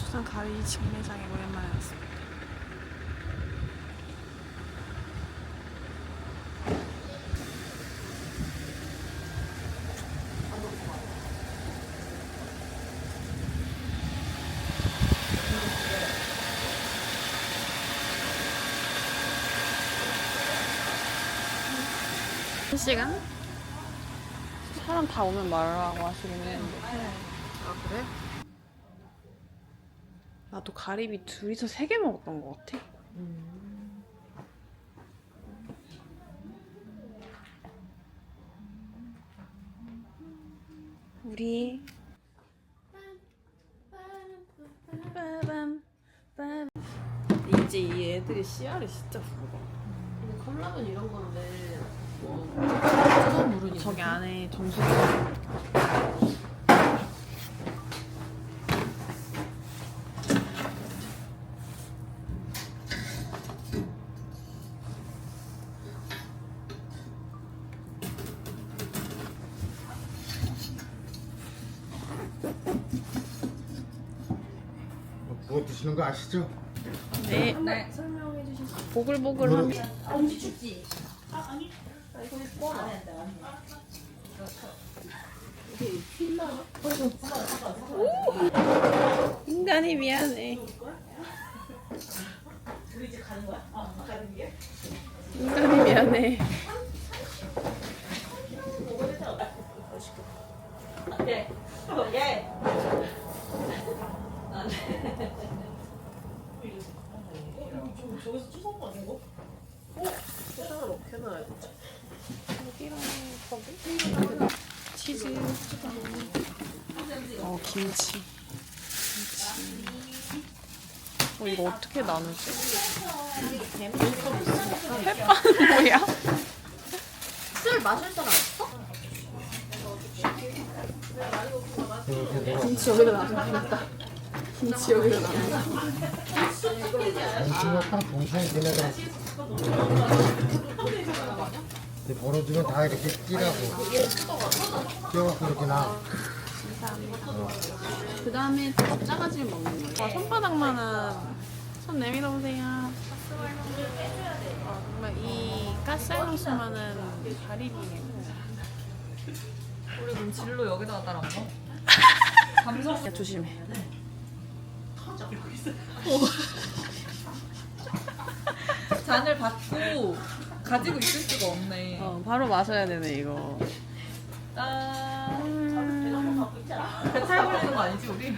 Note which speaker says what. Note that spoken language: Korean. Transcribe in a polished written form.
Speaker 1: 부산 가리 직매장에 오랜만에 왔습니다. 한 시간? 사람 다 오면 말라고 하시긴 했는데. 아, 그래? 나도 가리비 둘이서 3개 먹었던 것 같아. 우리 이제 이 애들이 씨알이 진짜 굵어.
Speaker 2: 근데 컵라면 이런 건데 뭐 뜨거운 물은
Speaker 1: 저기 안에 정수기.
Speaker 3: 부어 드시는 거 아시죠?
Speaker 1: 네.
Speaker 2: 네. 설명해 주실 수 있어요?
Speaker 1: 보글보글한.
Speaker 2: 엄지 춥지? 아니. 나 이거 꺼. 안 해. 이게 필라나?
Speaker 1: 인간이 미안해.
Speaker 2: 우리 이제 가는 거야? 가는 게?
Speaker 1: 인간이 미안해.
Speaker 2: 예. 예. 저기서 주워 먹는 거? 세상을 어떻게 해놔야 되지?
Speaker 1: 여기랑 거기? 치즈. 김치. 이거 어떻게 나누지? 햇반은 뭐야?
Speaker 2: 술 마실 사람 없어?
Speaker 1: 김치 여기다 놔둬야겠다. 김치 여기다 놔둬.
Speaker 3: 동치가 딱 동치에 걔네가 벌어주면 다 이렇게 끼라고 끼워갖고 이렇게 나.
Speaker 1: 그 다음에 작아지를 먹는 거예요. 손바닥만한 손 내밀어 보세요. 정말 이 가스알로스만한 가리비예요.
Speaker 4: 우리 그럼 진로 여기다가 따라 먹어?
Speaker 1: 야, 조심해.
Speaker 4: 잔을 받고 가지고 있을 수가 없네.
Speaker 1: 바로 마셔야 되네 이거.
Speaker 4: 짠. 배탈 걸리는 거 아니지 우리?